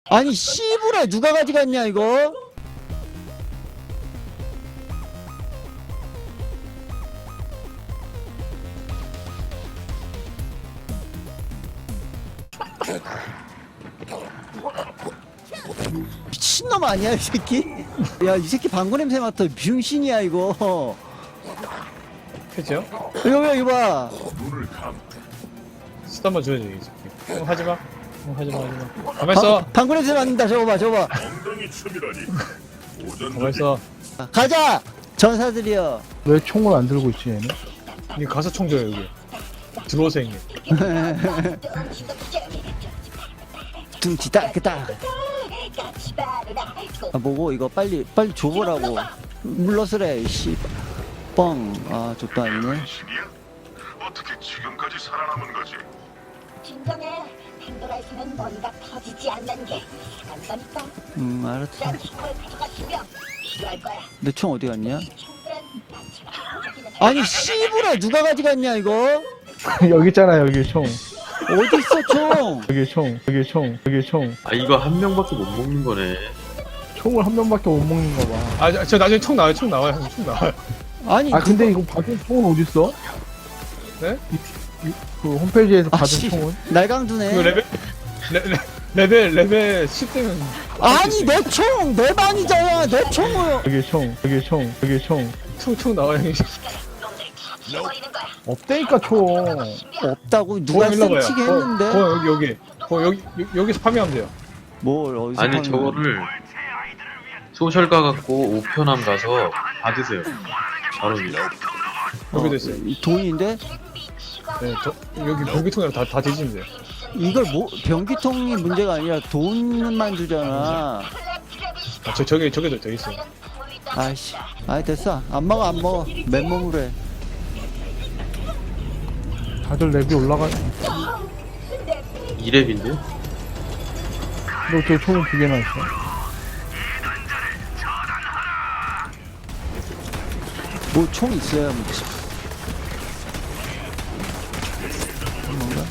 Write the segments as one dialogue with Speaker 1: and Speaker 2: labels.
Speaker 1: 아니 씨부레 누가 가져갔냐 이거? 미친놈 아니야 이 새끼? 야 이 새끼 방구 냄새 맡아. 병신이야 이거.
Speaker 2: 그죠?
Speaker 1: 이거 봐.
Speaker 2: 스타만 줘야지 이 새끼. 하지마. 하지마. 가만있어.
Speaker 1: 방구 냄새 맡는다. 저거 봐.
Speaker 2: 가만있어.
Speaker 1: 가자. 전사들이여.
Speaker 3: 왜 총을 안 들고 있지 얘는?
Speaker 2: 니 가서 총 줘요 여기. 들어오세요 형님.
Speaker 1: 둥지다 그다. 아 뭐고 이거 빨리 줘보라고. 물러서래 씨. 뻥. 아 족도 아니네.
Speaker 4: 어떻게 지금까지 살아남은 거지?
Speaker 5: 진정해. 팬도라에서는 머리가 터지지 않는 게 간다니까.
Speaker 1: 알았어.
Speaker 5: 난 총을 가져가시면 필요할 거야.
Speaker 1: 내 총 어디 갔냐?
Speaker 5: 총들은 마치
Speaker 1: 아니 씨부레 누가 가져갔냐 이거?
Speaker 3: 여기 있잖아 여기 총.
Speaker 1: 어디 있어 총?
Speaker 3: 여기 총.
Speaker 6: 아 이거 한 명밖에 못 먹는 거네.
Speaker 3: 총을 한 명밖에 못 먹는 거 봐.
Speaker 2: 아 저 나중에 총 나와요. 총 나와요. 형님 총 나와요.
Speaker 1: 아니
Speaker 3: 아 근데 이거 받은 총은 어디 있어?
Speaker 2: 네?
Speaker 3: 그 홈페이지에서 받은
Speaker 1: 씨,
Speaker 3: 총은?
Speaker 1: 날강두네.
Speaker 2: 그 레벨 10대면
Speaker 1: 아니 내 총 내 방이잖아. 내 총을.
Speaker 3: 여기 총.
Speaker 2: 총 나와요 형님.
Speaker 5: 죽어버리는 거야.
Speaker 3: 없다니까 총.
Speaker 1: 없다고 누가
Speaker 2: 일로 와봐요.
Speaker 1: 훔치게 했는데?
Speaker 2: 여기서 파밍하면 돼요.
Speaker 1: 뭘 어디서
Speaker 6: 아니
Speaker 1: 파는 거야?
Speaker 6: 저거를 소셜가 갖고 우편함 가서 받으세요. 바로 위.
Speaker 2: 여기도 있어요.
Speaker 1: 이 돈인데?
Speaker 2: 네, 여기 공기통이랑 다 뒤지면 돼요.
Speaker 1: 이걸 뭐 변기통이 문제가 아니라 돈만 주잖아.
Speaker 2: 아, 저기도 더 있어요.
Speaker 1: 아이씨, 아이 됐어. 안 먹어. 맨몸으로 해.
Speaker 3: 다들 랩이 올라가.
Speaker 6: 2렙인데?
Speaker 3: 너 저 총을 두 개나 있어.
Speaker 1: 뭐 총 있어야 뭐지. 뭔가?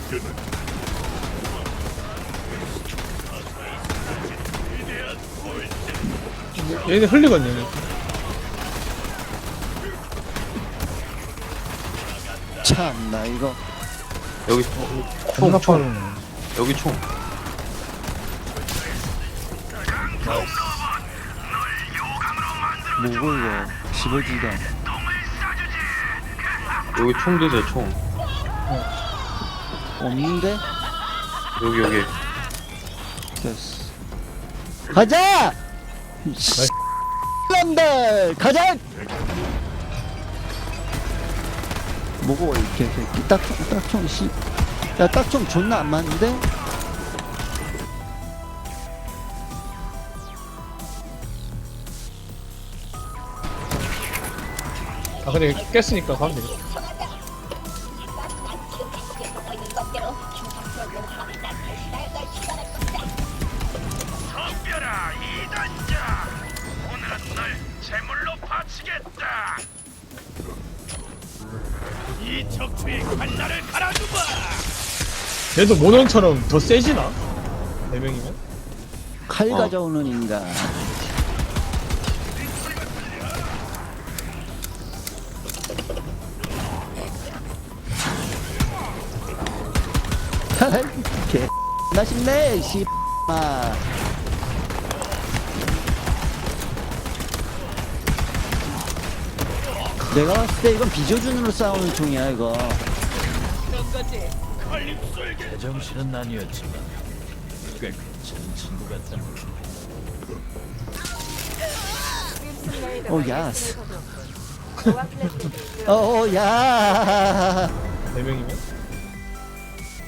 Speaker 2: 얘네 흘리거든요.
Speaker 1: 참나 이거.
Speaker 6: 여기
Speaker 3: 존나
Speaker 6: 총.
Speaker 3: 빠르네.
Speaker 6: 여기 총.
Speaker 1: 뭐고 이거. 집어지가.
Speaker 6: 여기 총 드세요 총.
Speaker 1: 없는데?
Speaker 6: 여기.
Speaker 1: 됐어. 가자! 놈들 가자! 뭐고 이렇게 딱총 씨. 야 딱총 존나 안 맞는데?
Speaker 2: 아 근데 깼으니까 가면 되겠다.
Speaker 4: 덤벼라 이단자. 오늘은 널 제물로 바치겠다. 이 척추의 칼날을 갈아주마.
Speaker 2: 얘도 모넌처럼 더 세지나? 4명이면?
Speaker 1: 칼 가져오는 인간. 개 맛있네 씨마. 내가 봤을 때 이건 비조준으로 싸우는 총이야 이거.
Speaker 7: 제정신은 아니었지만 꽤 괜찮은 친구 같다.
Speaker 1: 오 야스. 오 야.
Speaker 2: 4명이면?